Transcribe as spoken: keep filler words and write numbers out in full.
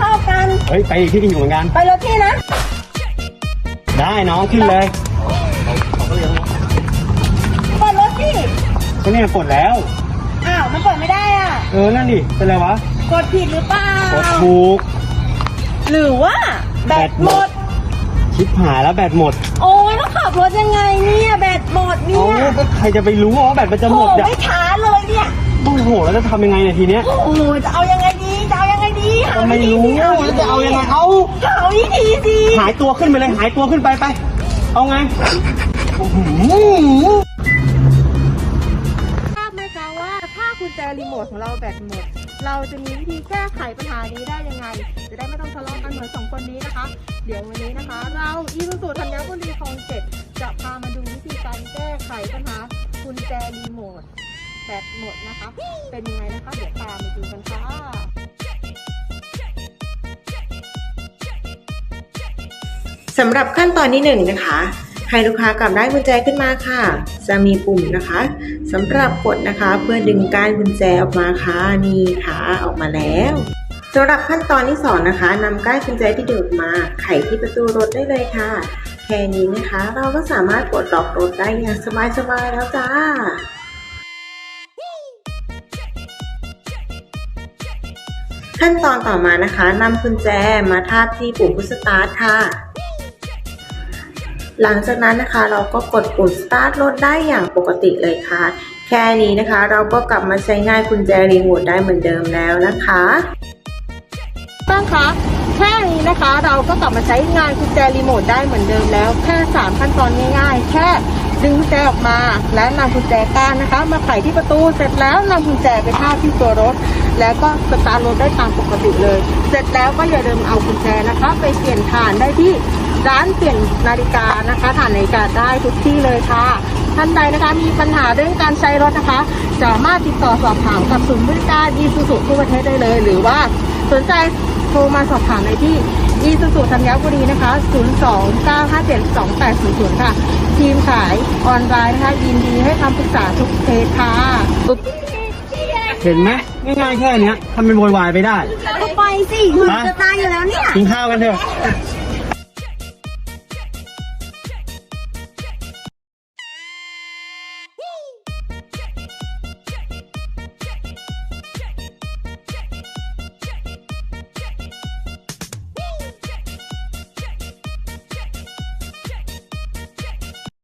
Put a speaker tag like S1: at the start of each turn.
S1: เข้ากัน
S2: เฮ้ยไปอีกที่ที่อยู่เหมือนกัน
S1: ไปรถพี่นะ
S2: ได้น้องขึ้นเลย
S1: เปิดรถพี่
S2: ก็เนี่ยกดแล้ว
S1: อ้าวมันเปิดไม่ได้อ่ะ
S2: เออนั่นดิเป็นไรวะ
S1: กดผิดหรือเปล่าก
S2: ดถูก
S1: หรือว่าแบตหมด
S2: ชิบหายแล้วแบตหมด
S1: โอ้ยต้องขับรถยังไงเนี่ยแบตหมดเนี่ย
S2: โอ้ก็ใครจะไปรู้ว่าแบตมันจะหมด
S1: เนี่ยไม่ช้าเลยเนี่ย
S2: โอ้โหแล้วจะทำยังไงเนี่ยทีเนี้ย
S1: โอ้จะเอายังไงดีจะเอายังไงดีหา
S2: ไม่รู้แล้วจะเอายังไงเอา
S1: หาวิธีสิ
S2: หายตัวขึ้นไปเลยหายตัวขึ้นไปไปเอาไง
S1: ทราบไหมคะว่าถ้ากุญแจรีโมทของเราแบตหมดเราจะมีวิธีแก้ไขปัญหานี้ได้ยังไงจะได้ไม่ต้องทะเลาะกันเหมือนสองคนนี้นะคะเดี๋ยววันนี้นะคะเราอีซูซูธัญบุรีคลองเจ็ดจะพามาดูวิธีการแก้ไขปัญหากุญแจรีโมทแบตหมดนะคะเป็นยังไงนะคะเดี๋ยวตามไปดูกันค่ะ
S3: สำหรับขั้นตอนที่หนึ่งนะคะให้ลูกค้ากลับได้กุญแจขึ้นมาค่ะจะมีปุ่มนะคะสำหรับกดนะคะเพื่อดึงก้านกุญแจออกมาค่ะนี่ค่ะออกมาแล้วสำหรับขั้นตอนที่สองนะคะนำก้านกุญแจที่ดึงออกมาไขที่ประตูรถได้เลยค่ะแค่นี้นะคะเราก็สามารถปลดล็อกรถได้อย่างสบายๆแล้วจ้าขั้นตอนต่อมานะคะนำกุญแจมาทาบที่ปุ่มพุชสตาร์ทค่ะหลังจากนั้นนะคะเราก็กดปุ่มสตาร์ทรถได้อย่างปกติเลยค่ะแค่นี้นะคะเราก็กลับมาใช้งานกุญแจรีโมทได้เหมือนเดิมแล้วนะคะ
S1: ตั้งคะแค่นี้นะคะเราก็กลับมาใช้งานกุญแจรีโมทได้เหมือนเดิมแล้วแค่สามขั้นตอนง่ายๆแค่ดึงกุญแจออกมาและนำกุญแจก้านนะคะมาไขที่ประตูเสร็จแล้วนำกุญแจไปทาบที่ตัวรถแล้วก็สตาร์ทรถได้ตามปกติเลยเสร็จแล้วก็อย่าลืมเอากุญแจนะคะไปเปลี่ยนถ่านได้ที่ร้านเปลี่ยนนาฬิกานะคะถ่านนาฬิกาได้ทุกที่เลยค่ะท่านใดนะคะมีปัญหาเรื่องการใช้รถนะคะสามารถติดต่อสอบถามกับศูนย์บริการอีซูซูทั่วประเทศได้เลยหรือว่าสนใจโทรมาสอบถามในที่อีซูซูธัญบุรีนะคะศูนย์ สอง เก้า ห้า เจ็ด สอง แปด ศูนย์ ศูนย์ค่ะทีมขายออนไลน์นะคะยินดีให้คำปรึกษาทุกเคสค่ะ
S2: เห็นไหมง่ายๆแค่นี้ทำเป็นโวยวายไปได้
S1: ไปสิมันจะตายอยู่แล้วเนี่ย
S2: กินข้าวกันเถอะ